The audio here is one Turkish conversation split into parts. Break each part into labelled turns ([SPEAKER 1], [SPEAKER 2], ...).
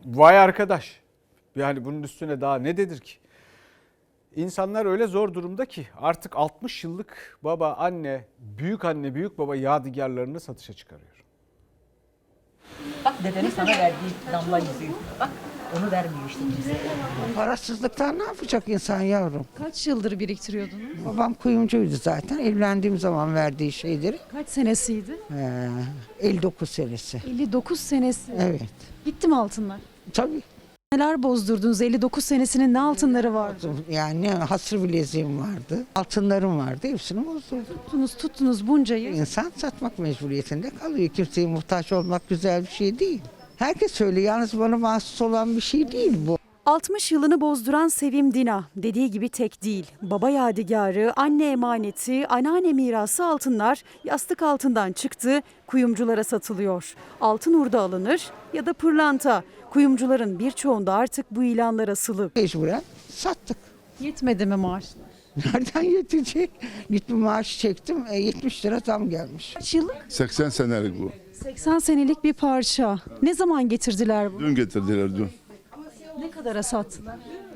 [SPEAKER 1] Vay arkadaş. Yani bunun üstüne daha ne denir ki? İnsanlar öyle zor durumda ki artık 60 yıllık baba, anne, büyük baba yadigarlarını satışa çıkarıyor.
[SPEAKER 2] Bak dedenin sana verdiği damla yüzüğü. Bak onu vermiyor işte kimse.
[SPEAKER 3] Parasızlıktan ne yapacak insan yavrum?
[SPEAKER 4] Kaç yıldır biriktiriyordunuz?
[SPEAKER 3] Babam kuyumcuydu zaten. Evlendiğim zaman verdiği şeyleri.
[SPEAKER 4] Kaç senesiydi?
[SPEAKER 3] 59 senesi.
[SPEAKER 4] 59 senesi.
[SPEAKER 3] Evet.
[SPEAKER 4] Gitti mi altınlar?
[SPEAKER 3] Tabii.
[SPEAKER 4] Neler bozdurdunuz? 59 senesinin ne altınları vardı?
[SPEAKER 3] Yani hasır bileziğim vardı. Altınlarım vardı. Hepsini bozdurdum.
[SPEAKER 4] Tuttunuz bunca yıl.
[SPEAKER 3] İnsan satmak mecburiyetinde kalıyor. Kimseye muhtaç olmak güzel bir şey değil. Herkes öyle. Yalnız bana mahsus olan bir şey değil bu.
[SPEAKER 4] 60 yılını bozduran Sevim Dina dediği gibi tek değil. Baba yadigarı, anne emaneti, anneanne mirası altınlar yastık altından çıktı, kuyumculara satılıyor. Altın hurda alınır ya da pırlanta. Kuyumcuların birçoğunda artık bu ilanlar asılı.
[SPEAKER 3] Mecburen sattık.
[SPEAKER 4] Yetmedi mi maaşlar?
[SPEAKER 3] Nereden yetecek? Gittim maaşı çektim. 70 lira zam gelmiş.
[SPEAKER 4] Kaç yıllık?
[SPEAKER 5] 80 senelik bu.
[SPEAKER 4] 80 senelik bir parça. Ne zaman getirdiler bunu?
[SPEAKER 5] Dün getirdiler dün.
[SPEAKER 4] Ne kadara sattılar?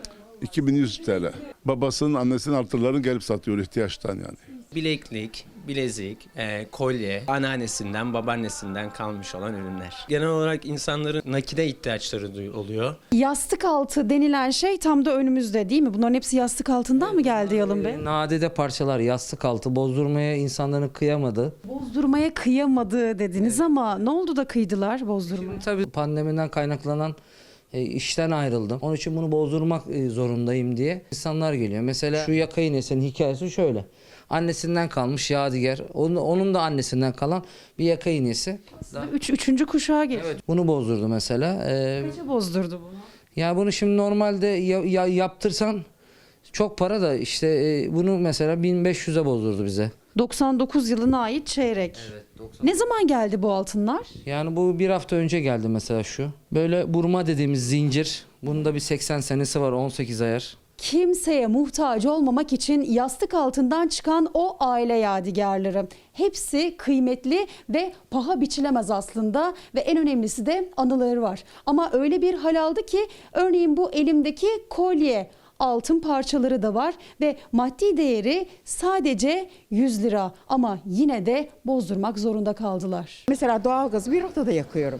[SPEAKER 5] 2100 TL. Babasının annesinin artırlarını gelip satıyor ihtiyaçtan yani.
[SPEAKER 6] Bileklik, bilezik, kolye, anneannesinden, babaannesinden kalmış olan ürünler. Genel olarak insanların nakide ihtiyaçları oluyor.
[SPEAKER 4] Yastık altı denilen şey tam da önümüzde değil mi? Bunların hepsi yastık altından mı geldi Yalın Bey?
[SPEAKER 7] Nadide parçalar, yastık altı, bozdurmaya insanların kıyamadı.
[SPEAKER 4] Bozdurmaya kıyamadı dediniz ama ne oldu da kıydılar bozdurmaya?
[SPEAKER 7] Tabii pandemiden kaynaklanan işten ayrıldım. Onun için bunu bozdurmak zorundayım diye insanlar geliyor. Mesela şu yaka iğnesinin hikayesi şöyle. Annesinden kalmış yadigar. Onun da annesinden kalan bir yaka iğnesi.
[SPEAKER 4] Üçüncü kuşağa geçti.
[SPEAKER 7] Evet, bunu bozdurdu mesela.
[SPEAKER 4] Kaça bozdurdu bunu?
[SPEAKER 7] Ya bunu şimdi normalde yaptırsan çok para da işte bunu mesela 1500'e bozdurdu bize.
[SPEAKER 4] 99 yılına ait çeyrek. Ne zaman geldi bu altınlar?
[SPEAKER 7] Yani bu bir hafta önce geldi mesela şu. Böyle burma dediğimiz zincir. Bunun da bir 80 senesi var, 18 ayar.
[SPEAKER 4] Kimseye muhtaç olmamak için yastık altından çıkan o aile yadigarları. Hepsi kıymetli ve paha biçilemez aslında ve en önemlisi de anıları var. Ama öyle bir hal aldı ki örneğin bu elimdeki kolye altın parçaları da var ve maddi değeri sadece 100 lira ama yine de bozdurmak zorunda kaldılar.
[SPEAKER 8] Mesela doğalgazı bir odada yakıyorum.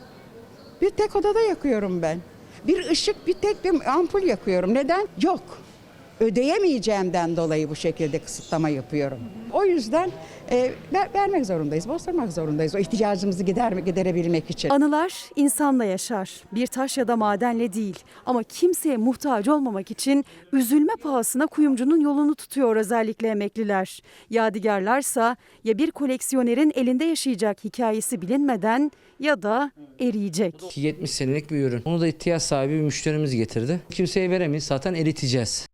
[SPEAKER 8] Bir tek odada yakıyorum ben. Bir ışık, bir tek bir ampul yakıyorum. Neden? Yok. Ödeyemeyeceğimden dolayı bu şekilde kısıtlama yapıyorum. O yüzden vermek zorundayız, bozdurmak zorundayız. O ihtiyacımızı giderebilmek için.
[SPEAKER 4] Anılar insanla yaşar. Bir taş ya da madenle değil. Ama kimseye muhtaç olmamak için üzülme pahasına kuyumcunun yolunu tutuyor özellikle emekliler. Yadigarlarsa ya bir koleksiyonerin elinde yaşayacak hikayesi bilinmeden ya da eriyecek.
[SPEAKER 7] 70 senelik bir ürün. Onu da ihtiyaç sahibi bir müşterimiz getirdi. Kimseye veremeyiz, zaten eriteceğiz.